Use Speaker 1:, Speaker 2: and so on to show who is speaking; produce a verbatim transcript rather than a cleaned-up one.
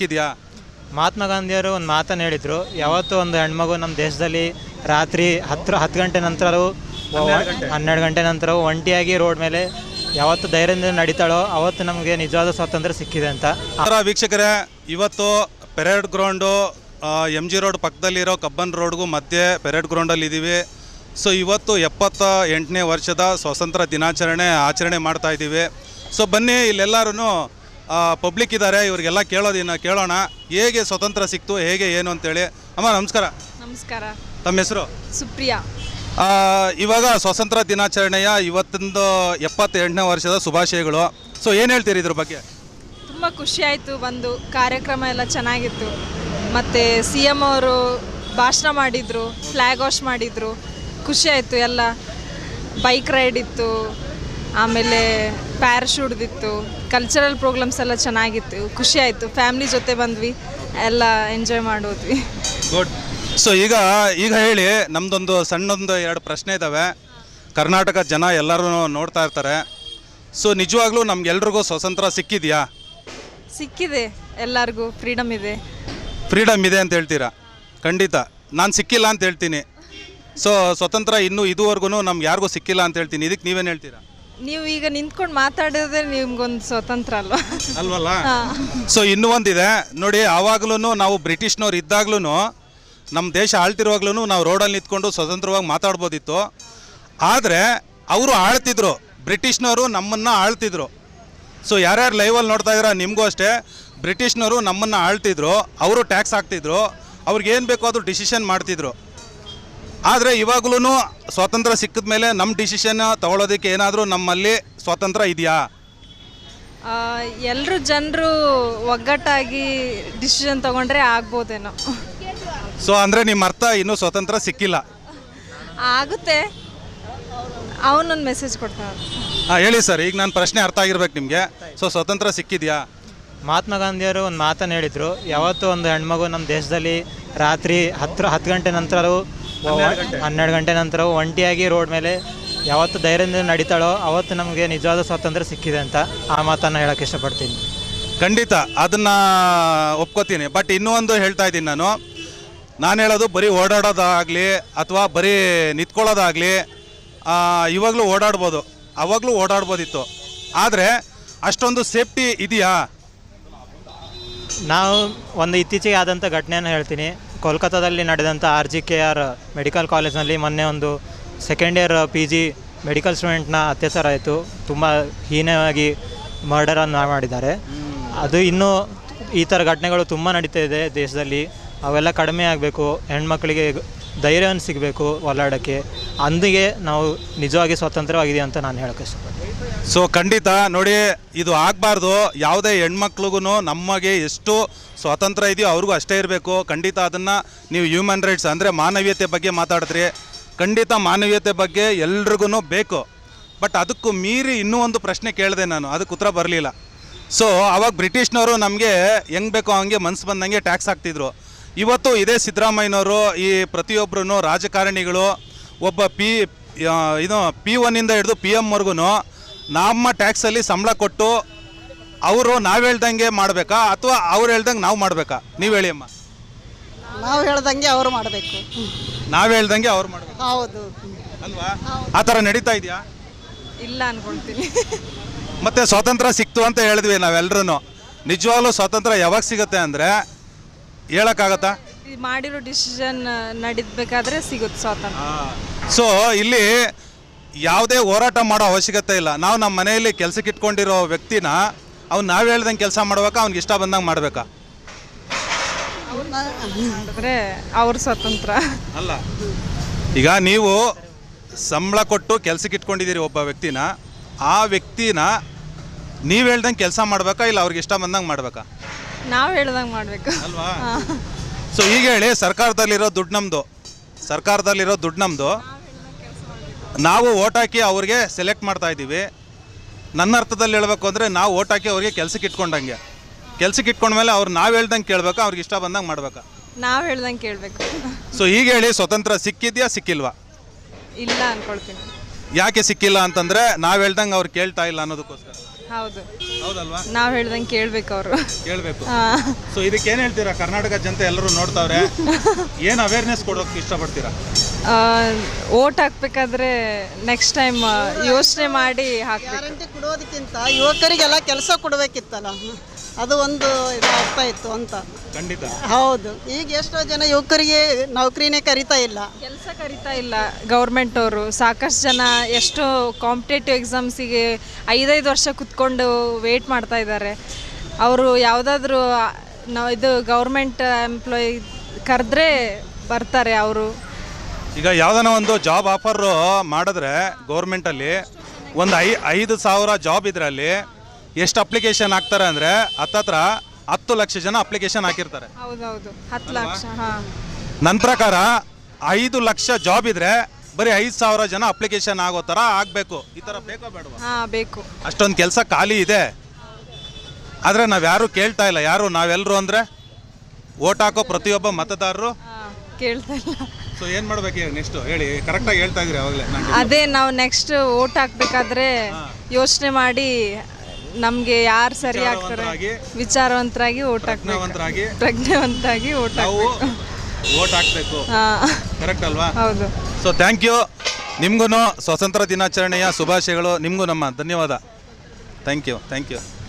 Speaker 1: ಸಿಕ್ಕಿದೆಯಾ?
Speaker 2: ಮಹಾತ್ಮ ಗಾಂಧಿಯವರು ಒಂದು ಮಾತನ್ನು ಹೇಳಿದರು, ಯಾವತ್ತೂ ಒಂದು ಹೆಣ್ಮಗು ನಮ್ಮ ದೇಶದಲ್ಲಿ ರಾತ್ರಿ ಹತ್ತು ಹತ್ತು ಗಂಟೆ ನಂತರವೂ ಹನ್ನೆರಡು ಗಂಟೆ ನಂತರವೂ ಒಂಟಿಯಾಗಿ ರೋಡ್ ಮೇಲೆ ಯಾವತ್ತು ಧೈರ್ಯದಿಂದ ನಡೀತಾಳೋ ಅವತ್ತು ನಮಗೆ ನಿಜವಾದ ಸ್ವಾತಂತ್ರ್ಯ ಸಿಕ್ಕಿದೆ ಅಂತ.
Speaker 1: ವೀಕ್ಷಕರೇ, ಇವತ್ತು parade ground M G road ಪಕ್ಕದಲ್ಲಿರೋ ಕಬ್ಬನ್ ರೋಡ್ಗೂ ಮಧ್ಯೆ ಪೆರೇಡ್ ಗ್ರೌಂಡಲ್ಲಿ ಇದ್ದೀವಿ. ಸೊ ಇವತ್ತು ಎಪ್ಪತ್ತ ಎಂಟನೇ ವರ್ಷದ ಸ್ವಾತಂತ್ರ್ಯ ದಿನಾಚರಣೆ ಆಚರಣೆ ಮಾಡ್ತಾ ಇದ್ದೀವಿ. ಸೊ ಬನ್ನಿ, ಇಲ್ಲೆಲ್ಲರೂ ಪಬ್ಲಿಕ್ ಇದ್ದಾರೆ, ಇವ್ರಿಗೆಲ್ಲ ಕೇಳೋದಿನ ಕೇಳೋಣ ಹೇಗೆ ಸ್ವಾತಂತ್ರ್ಯ ಸಿಕ್ತು, ಹೇಗೆ ಏನು ಅಂತೇಳಿ. ಅಮ್ಮ ನಮಸ್ಕಾರ.
Speaker 3: ನಮಸ್ಕಾರ.
Speaker 1: ತಮ್ಮ ಹೆಸರು?
Speaker 3: ಸುಪ್ರಿಯಾ.
Speaker 1: ಇವಾಗ ಸ್ವಾತಂತ್ರ್ಯ ದಿನಾಚರಣೆಯ ಇವತ್ತೊಂದು ಎಪ್ಪತ್ತೆಂಟನೇ ವರ್ಷದ ಶುಭಾಶಯಗಳು. ಸೊ ಏನು ಹೇಳ್ತೀರಿ ಇದ್ರ ಬಗ್ಗೆ?
Speaker 3: ತುಂಬ ಖುಷಿ ಆಯಿತು, ಬಂದು ಕಾರ್ಯಕ್ರಮ ಎಲ್ಲ ಚೆನ್ನಾಗಿತ್ತು. ಮತ್ತು ಸಿ ಎಮ್ ಅವರು ಭಾಷಣ ಮಾಡಿದರು, ಫ್ಲ್ಯಾಗ್ ವಾಶ್ ಮಾಡಿದರು, ಖುಷಿ ಆಯಿತು. ಎಲ್ಲ ಬೈಕ್ ರೈಡ್ ಇತ್ತು, ಆಮೇಲೆ ಪ್ಯಾರಾಶೂಟ್ದಿತ್ತು, ಕಲ್ಚರಲ್ ಪ್ರೋಗ್ರಾಮ್ಸ್ ಎಲ್ಲ ಚೆನ್ನಾಗಿತ್ತು, ಖುಷಿ ಆಯಿತು. ಫ್ಯಾಮ್ಲಿ ಜೊತೆ ಬಂದ್ವಿ, ಎಲ್ಲ ಎಂಜಾಯ್ ಮಾಡೋದ್ವಿ.
Speaker 1: ಗುಡ್. ಸೊ ಈಗ ಈಗ ಹೇಳಿ, ನಮ್ಮದೊಂದು ಸಣ್ಣದೊಂದು ಎರಡು ಪ್ರಶ್ನೆ ಇದ್ದಾವೆ. ಕರ್ನಾಟಕ ಜನ ಎಲ್ಲರೂ ನೋಡ್ತಾ ಇರ್ತಾರೆ. ಸೊ ನಿಜವಾಗ್ಲೂ ನಮ್ಗೆಲ್ರಿಗೂ ಸ್ವಾತಂತ್ರ್ಯ ಸಿಕ್ಕಿದೆಯಾ?
Speaker 3: ಸಿಕ್ಕಿದೆ, ಎಲ್ಲರಿಗೂ ಫ್ರೀಡಮ್ ಇದೆ.
Speaker 1: ಫ್ರೀಡಮ್ ಇದೆ ಅಂತ ಹೇಳ್ತೀರಾ? ಖಂಡಿತ ನಾನು ಸಿಕ್ಕಿಲ್ಲ ಅಂತ ಹೇಳ್ತೀನಿ. ಸೊ ಸ್ವತಂತ್ರ ಇನ್ನೂ ಇದುವರೆಗೂ ನಮ್ಗೆ ಯಾರಿಗೂ ಸಿಕ್ಕಿಲ್ಲ ಅಂತ ಹೇಳ್ತೀನಿ. ಇದಕ್ಕೆ ನೀವೇನು ಹೇಳ್ತೀರಾ?
Speaker 3: ನೀವು ಈಗ ನಿಂತ್ಕೊಂಡು ಮಾತಾಡೋದೇ ನಿಮ್ಗೊಂದು ಸ್ವತಂತ್ರ ಅಲ್ವಾ?
Speaker 1: ಅಲ್ವಲ್ಲ? ಸೊ ಇನ್ನೂ ಒಂದಿದೆ ನೋಡಿ, ಆವಾಗ್ಲೂ ನಾವು ಬ್ರಿಟಿಷ್ನವ್ರು ಇದ್ದಾಗ್ಲೂ, ನಮ್ಮ ದೇಶ ಆಳ್ತಿರುವಾಗ್ಲೂ ನಾವು ರೋಡಲ್ಲಿ ನಿಂತ್ಕೊಂಡು ಸ್ವತಂತ್ರವಾಗಿ ಮಾತಾಡ್ಬೋದಿತ್ತು. ಆದರೆ ಅವರು ಆಳ್ತಿದ್ರು, ಬ್ರಿಟಿಷ್ನವರು ನಮ್ಮನ್ನು ಆಳ್ತಿದ್ರು. ಸೊ ಯಾರ್ಯಾರು ಲೈವಲ್ಲಿ ನೋಡ್ತಾ ಇದ್ದೀರಾ, ನಿಮಗೂ ಅಷ್ಟೇ, ಬ್ರಿಟಿಷ್ನವರು ನಮ್ಮನ್ನು ಆಳ್ತಿದ್ರು, ಅವರು ಟ್ಯಾಕ್ಸ್ ಹಾಕ್ತಿದ್ರು, ಅವ್ರಿಗೇನು ಬೇಕೋ ಅದು ಡಿಸಿಷನ್ ಮಾಡ್ತಿದ್ರು. ಆದರೆ ಇವಾಗ್ಲೂ ಸ್ವಾತಂತ್ರ್ಯ ಸಿಕ್ಕಿದ ಮೇಲೆ ನಮ್ಮ ಡಿಸಿಷನ್ ತಗೊಳ್ಳೋದಕ್ಕೆ ಏನಾದರೂ ನಮ್ಮಲ್ಲಿ ಸ್ವಾತಂತ್ರ್ಯ ಇದೆಯಾ?
Speaker 3: ಎಲ್ಲರೂ ಜನರು ಒಗ್ಗಟ್ಟಾಗಿ ಡಿಸಿಷನ್ ತಗೊಂಡ್ರೆ ಆಗ್ಬೋದೇನೋ.
Speaker 1: ಸೊ ಅಂದರೆ ನಿಮ್ಮ ಅರ್ಥ ಇನ್ನೂ ಸ್ವಾತಂತ್ರ್ಯ ಸಿಕ್ಕಿಲ್ಲ?
Speaker 3: ಆಗುತ್ತೆ. ಅವನೊಂದು ಮೆಸೇಜ್ ಕೊಡ್ತಾನೆ.
Speaker 1: ಹಾಂ ಹೇಳಿ ಸರ್, ಈಗ ನನ್ನ ಪ್ರಶ್ನೆ ಅರ್ಥ ಆಗಿರ್ಬೇಕು ನಿಮಗೆ. ಸೊ ಸ್ವಾತಂತ್ರ್ಯ ಸಿಕ್ಕಿದೆಯಾ?
Speaker 2: ಮಹಾತ್ಮ ಗಾಂಧಿಯವರು ಒಂದು ಮಾತನ್ನು ಹೇಳಿದರು, ಯಾವತ್ತೂ ಒಂದು ಹೆಣ್ಮಗು ನಮ್ಮ ದೇಶದಲ್ಲಿ ರಾತ್ರಿ ಹತ್ತು ಹತ್ತು ಗಂಟೆ ನಂತರವೂ ಹನ್ನೆರಡು ಗಂಟೆ ನಂತರವೂ ಒಂಟಿಯಾಗಿ ರೋಡ್ ಮೇಲೆ ಯಾವತ್ತು ಧೈರ್ಯದಿಂದ ನಡೀತಾಳೋ ಅವತ್ತು ನಮಗೆ ನಿಜವಾದ ಸ್ವಾತಂತ್ರ್ಯ ಸಿಕ್ಕಿದೆ ಅಂತ ಆ ಮಾತನ್ನು ಹೇಳೋಕ್ಕೆ ಇಷ್ಟಪಡ್ತೀನಿ.
Speaker 1: ಖಂಡಿತ ಅದನ್ನು ಒಪ್ಕೋತೀನಿ. ಬಟ್ ಇನ್ನೂ ಒಂದು ಹೇಳ್ತಾ ಇದ್ದೀನಿ ನಾನು ನಾನು ಹೇಳೋದು ಬರೀ ಓಡಾಡೋದಾಗಲಿ ಅಥವಾ ಬರೀ ನಿಂತ್ಕೊಳ್ಳೋದಾಗಲಿ ಇವಾಗಲೂ ಓಡಾಡ್ಬೋದು, ಅವಾಗಲೂ ಓಡಾಡ್ಬೋದಿತ್ತು. ಆದರೆ ಅಷ್ಟೊಂದು ಸೇಫ್ಟಿ ಇದೆಯಾ?
Speaker 2: ನಾವು ಒಂದು ಇತ್ತೀಚೆಗೆ ಆದಂಥ ಘಟನೆಯನ್ನು ಹೇಳ್ತೀನಿ. ಕೋಲ್ಕತ್ತಾದಲ್ಲಿ ನಡೆದಂಥ R G K R medical ಕಾಲೇಜ್ನಲ್ಲಿ ಮೊನ್ನೆ ಒಂದು second year P G medical ಸ್ಟೂಡೆಂಟ್ನ ಅತ್ಯಾಚಾರ ಆಯಿತು. ತುಂಬ ಹೀನವಾಗಿ ಮರ್ಡರನ್ನು ಮಾಡಿದ್ದಾರೆ. ಅದು ಇನ್ನೂ ಈ ಥರ ಘಟನೆಗಳು ತುಂಬ ನಡೀತಾ ಇದೆ ದೇಶದಲ್ಲಿ. ಅವೆಲ್ಲ ಕಡಿಮೆ ಆಗಬೇಕು, ಹೆಣ್ಮಕ್ಳಿಗೆ ಧೈರ್ಯವನ್ನು ಸಿಗಬೇಕು ಓಲಾಡೋಕ್ಕೆ. ಅಂದಿಗೆ ನಾವು ನಿಜವಾಗಿ ಸ್ವತಂತ್ರವಾಗಿದೆ ಅಂತ ನಾನು ಹೇಳೋಕ್ಕೆ ಇಷ್ಟಪಡ್ತೀನಿ.
Speaker 1: ಸೊ ಖಂಡಿತ ನೋಡಿ, ಇದು ಆಗಬಾರ್ದು. ಯಾವುದೇ ಹೆಣ್ಮಕ್ಳಿಗೂ ನಮಗೆ ಎಷ್ಟು ಸ್ವಾತಂತ್ರ್ಯ ಇದೆಯೋ ಅವ್ರಿಗೂ ಅಷ್ಟೇ ಇರಬೇಕು. ಖಂಡಿತ ಅದನ್ನು ನೀವು ಹ್ಯೂಮನ್ ರೈಟ್ಸ್ ಅಂದರೆ ಮಾನವೀಯತೆ ಬಗ್ಗೆ ಮಾತಾಡಿದ್ರಿ. ಖಂಡಿತ ಮಾನವೀಯತೆ ಬಗ್ಗೆ ಎಲ್ರಿಗೂ ಬೇಕು. ಬಟ್ ಅದಕ್ಕೂ ಮೀರಿ ಇನ್ನೂ ಒಂದು ಪ್ರಶ್ನೆ ಕೇಳಿದೆ ನಾನು, ಅದಕ್ಕೆ ಉತ್ತರ ಬರಲಿಲ್ಲ. ಸೊ ಆವಾಗ ಬ್ರಿಟಿಷ್ನವರು ನಮಗೆ ಹೆಂಗೆ ಬೇಕೋ ಹಂಗೆ ಮನಸ್ಸು ಬಂದಂಗೆ ಟ್ಯಾಕ್ಸ್ ಹಾಕ್ತಿದ್ರು. ಇವತ್ತು ಇದೇ ಸಿದ್ದರಾಮಯ್ಯನವರು ಈ ಪ್ರತಿಯೊಬ್ಬರೂ ರಾಜಕಾರಣಿಗಳು ಒಬ್ಬ ಪಿ ಇದು ಪಿ ಒನ್ನಿಂದ ಹಿಡಿದು ಪಿ ಎಮ್ವರೆಗೂ ನಮ್ಮ ಟ್ಯಾಕ್ಸಲ್ಲಿ ಸಂಬಳ ಕೊಟ್ಟು ಅವರು ನಾವು ಹೇಳ್ದಂಗೆ ಮಾಡಬೇಕಾ ಅಥವಾ ಅವ್ರು ಹೇಳ್ದಂಗೆ ನಾವು ಮಾಡಬೇಕಾ? ನೀವು ಹೇಳಿ ಅಮ್ಮ.
Speaker 4: ನಾವು ಹೇಳ್ದಂಗೆ ಅವ್ರು ಮಾಡಬೇಕು.
Speaker 1: ನಾವು ಹೇಳ್ದಂಗೆ ಅವ್ರು ಮಾಡಬೇಕು.
Speaker 4: ಹೌದು
Speaker 1: ಅಲ್ವಾ? ಆ ಥರ ನಡೀತಾ ಇದೆಯಾ?
Speaker 3: ಇಲ್ಲ ಅನ್ಕೊಳ್ತೀನಿ.
Speaker 1: ಮತ್ತೆ ಸ್ವಾತಂತ್ರ್ಯ ಸಿಕ್ತು ಅಂತ ಹೇಳಿದ್ವಿ ನಾವೆಲ್ಲರೂ. ನಿಜವಾಗ್ಲೂ ಸ್ವಾತಂತ್ರ್ಯ ಯಾವಾಗ ಸಿಗುತ್ತೆ ಅಂದರೆ ಹೇಳೋಕ್ಕಾಗತ್ತಾ?
Speaker 3: ಮಾಡಿರೋ ಡಿಸಿಷನ್ ನಡೀಬೇಕಾದ್ರೆ ಸಿಗುತ್ತೆ ಸ್ವಾತಂತ್ರ್ಯ.
Speaker 1: ಸೊ ಇಲ್ಲಿ ಯಾವುದೇ ಹೋರಾಟ ಮಾಡೋ ಅವಶ್ಯಕತೆ ಇಲ್ಲ. ನಾವು ನಮ್ಮ ಮನೆಯಲ್ಲಿ ಕೆಲಸಕ್ಕೆ ಇಟ್ಕೊಂಡಿರೋ ವ್ಯಕ್ತಿನ ಅವ್ನು ನಾವು ಹೇಳ್ದಂಗೆ ಕೆಲಸ ಮಾಡ್ಬೇಕಾ, ಅವ್ನಿಗೆ ಇಷ್ಟ ಬಂದಂಗೆ ಮಾಡಬೇಕಾ?
Speaker 3: ಮಾಡಿದ್ರೆ ಅವ್ರ ಸ್ವತಂತ್ರ
Speaker 1: ಅಲ್ಲ. ಈಗ ನೀವು ಸಂಬಳ ಕೊಟ್ಟು ಕೆಲಸಕ್ಕೆ ಇಟ್ಕೊಂಡಿದ್ದೀರಿ ಒಬ್ಬ ವ್ಯಕ್ತಿನ, ಆ ವ್ಯಕ್ತಿನ ನೀವು ಹೇಳ್ದಂಗೆ ಕೆಲಸ ಮಾಡಬೇಕಾ ಇಲ್ಲ ಅವ್ರಿಗೆ ಇಷ್ಟ ಬಂದಂಗೆ ಮಾಡಬೇಕಾ?
Speaker 3: ನಾವು ಹೇಳ್ದಂಗೆ ಮಾಡಬೇಕು
Speaker 1: ಅಲ್ವಾ? ಸೊ ಈಗ ಹೇಳಿ, ಸರ್ಕಾರದಲ್ಲಿರೋ ದುಡ್ಡು ನಮ್ಮದು, ಸರ್ಕಾರದಲ್ಲಿರೋ ದುಡ್ಡು ನಮ್ಮದು, ನಾವು ಓಟ್ ಹಾಕಿ ಅವ್ರಿಗೆ ಸೆಲೆಕ್ಟ್ ಮಾಡ್ತಾ ಇದ್ದೀವಿ. ನನ್ನ ಅರ್ಥದಲ್ಲಿ ಹೇಳ್ಬೇಕು ಅಂದರೆ ನಾವು ಓಟ್ ಹಾಕಿ ಅವ್ರಿಗೆ ಕೆಲ್ಸಕ್ಕೆ ಇಟ್ಕೊಂಡಂಗೆ, ಕೆಲ್ಸಕ್ಕೆ ಇಟ್ಕೊಂಡ್ಮೇಲೆ ಅವ್ರು ನಾವು ಹೇಳ್ದಂಗೆ ಕೇಳಬೇಕಾ, ಅವ್ರಿಗೆ ಇಷ್ಟ ಬಂದಂಗೆ ಮಾಡಬೇಕಾ?
Speaker 3: ನಾವು ಹೇಳ್ದಂಗೆ ಕೇಳಬೇಕು.
Speaker 1: ಸೊ ಈಗ ಹೇಳಿ, ಸ್ವತಂತ್ರ ಸಿಕ್ಕಿದ್ಯಾ ಸಿಕ್ಕಿಲ್ವಾ?
Speaker 3: ಇಲ್ಲ ಅನ್ಕೊಳ್ತೀನಿ.
Speaker 1: ಯಾಕೆ ಸಿಕ್ಕಿಲ್ಲ ಅಂತಂದರೆ ನಾವು ಹೇಳ್ದಂಗೆ ಅವ್ರು ಕೇಳ್ತಾ ಇಲ್ಲ ಅನ್ನೋದಕ್ಕೋಸ್ಕರ.
Speaker 3: ಹೌದು,
Speaker 1: ಹೌದಲ್ವಾ?
Speaker 3: ನಾವು ಹೇಳ್ದಂಗೆ ಕೇಳ್ಬೇಕು ಅವರು.
Speaker 1: ಕೇಳಬೇಕು. ಸೊ ಇದಕ್ಕೆ ಏನು ಹೇಳ್ತೀರಾ? ಕರ್ನಾಟಕ ಜನತೆ ಎಲ್ಲರೂ ನೋಡ್ತಾವ್ರೆ, ಏನು ಅವೇರ್ನೆಸ್ ಕೊಡೋಕೆ ಇಷ್ಟಪಡ್ತೀರಾ?
Speaker 3: ಓಟ್ ಹಾಕ್ಬೇಕಾದ್ರೆ ನೆಕ್ಸ್ಟ್ ಟೈಮ್ ಯೋಚನೆ ಮಾಡಿ ಹಾಕ್ಬೇಕು.
Speaker 4: ಗ್ಯಾರಂಟಿ ಕೊಡೋದಕ್ಕಿಂತ ಯುವಕರಿಗೆಲ್ಲ ಕೆಲಸ ಕೊಡಬೇಕಿತ್ತಲ್ಲ, ಅದು ಒಂದು ಇದಾಗ್ತಾ ಇತ್ತು ಅಂತ.
Speaker 1: ಖಂಡಿತ
Speaker 4: ಹೌದು, ಈಗ ಎಷ್ಟೋ ಜನ ಯುವಕರಿಗೆ ನೌಕರಿನೇ ಕರಿತಾ ಇಲ್ಲ.
Speaker 3: ಕೆಲಸ ಕರಿತಾ ಇಲ್ಲ ಗೌರ್ಮೆಂಟ್ ಅವರು. ಸಾಕಷ್ಟು ಜನ ಎಷ್ಟು ಕಾಂಪಿಟೇಟಿವ್ ಎಕ್ಸಾಮ್ಸಿಗೆ ಐದೈದು ವರ್ಷ ಕುತ್ಕೊಂಡು ವೇಟ್ ಮಾಡ್ತಾ ಇದ್ದಾರೆ. ಅವರು ಯಾವುದಾದ್ರೂ ನಾವು ಇದು ಗೌರ್ಮೆಂಟ್ ಎಂಪ್ಲಾಯಿ ಕರೆದ್ರೆ ಬರ್ತಾರೆ ಅವರು.
Speaker 1: ಈಗ ಯಾವ್ದಾನ ಒಂದು ಜಾಬ್ ಆಫರ್ ಮಾಡಿದ್ರೆ ಗೌರ್ಮೆಂಟಲ್ಲಿ ಒಂದು ಐ ಐದು ಸಾವಿರ ಜಾಬ್ ಇದ್ರೆ ಅಲ್ಲಿ ಎಷ್ಟು ಅಪ್ಲಿಕೇಶನ್ ಹಾಕ್ತಾರೆ ಅಂದರೆ ಹತ್ತತ್ರ ಹತ್ತು ಲಕ್ಷ ಜನ ಅಪ್ಲಿಕೇಶನ್ ಹಾಕಿರ್ತಾರೆ.
Speaker 3: ಹೌದೌದು, ಹತ್ತು ಲಕ್ಷ. ಹಾಂ,
Speaker 1: ನನ್ನ ಪ್ರಕಾರ ಐದು ಲಕ್ಷ ಜಾಬ್ ಇದ್ರೆ ಬರೀ ಐದು ಸಾವಿರ ಜನ ಅಪ್ಲಿಕೇಶನ್ ಆಗೋ ಥರ ಆಗಬೇಕು. ಈ ಥರ ಬೇಕೋ ಬೇಡವಾ?
Speaker 3: ಹಾಂ ಬೇಕು.
Speaker 1: ಅಷ್ಟೊಂದು ಕೆಲಸ ಖಾಲಿ ಇದೆ, ಆದರೆ ನಾವು ಯಾರೂ ಕೇಳ್ತಾ ಇಲ್ಲ. ಯಾರು ನಾವೆಲ್ಲರೂ ಅಂದರೆ ಓಟ್ ಹಾಕೋ ಪ್ರತಿಯೊಬ್ಬ ಮತದಾರರು
Speaker 3: ಹಾಂ, ಕೇಳ್ತಾ ಇಲ್ಲ.
Speaker 1: ಸೊ ಏನು ಮಾಡ್ಬೇಕು ಈಗ ನೆಕ್ಸ್ಟು ಹೇಳಿ? ಕರೆಕ್ಟಾಗಿ ಹೇಳ್ತಾ ಇದ್ರಿ ಅವಾಗಲೇ.
Speaker 3: ಅದೇ ನಾವು ನೆಕ್ಸ್ಟ್ ಓಟ್ ಹಾಕ್ಬೇಕಾದ್ರೆ ಯೋಚನೆ ಮಾಡಿ ನಮಗೆ ಯಾರು ಸರಿ ಆಗ್ತಾರೆ ವಿಚಾರವಂತರಾಗಿ ಓಟ್ ಹಾಕ್ಬೇಕು.
Speaker 1: ವಿಚಾರವಂತರಾಗಿ
Speaker 3: ಪ್ರಜ್ಞಾವಂತರಾಗಿ ಓಟ್
Speaker 1: ನಾವು
Speaker 3: ಹಾಕ್ಬೇಕು.
Speaker 1: ಓಟ್ ಹಾಕ್ಬೇಕು.
Speaker 3: ಹಾಂ,
Speaker 1: ಕರೆಕ್ಟ್ ಅಲ್ವಾ?
Speaker 3: ಹೌದು.
Speaker 1: So thank you. ನಿಮಗೂ ಸ್ವಾತಂತ್ರ್ಯ ದಿನಾಚರಣೆಯ ಶುಭಾಶಯಗಳು. ನಿಮಗೂ ನಮ್ಮ ಧನ್ಯವಾದ. Thank you thank you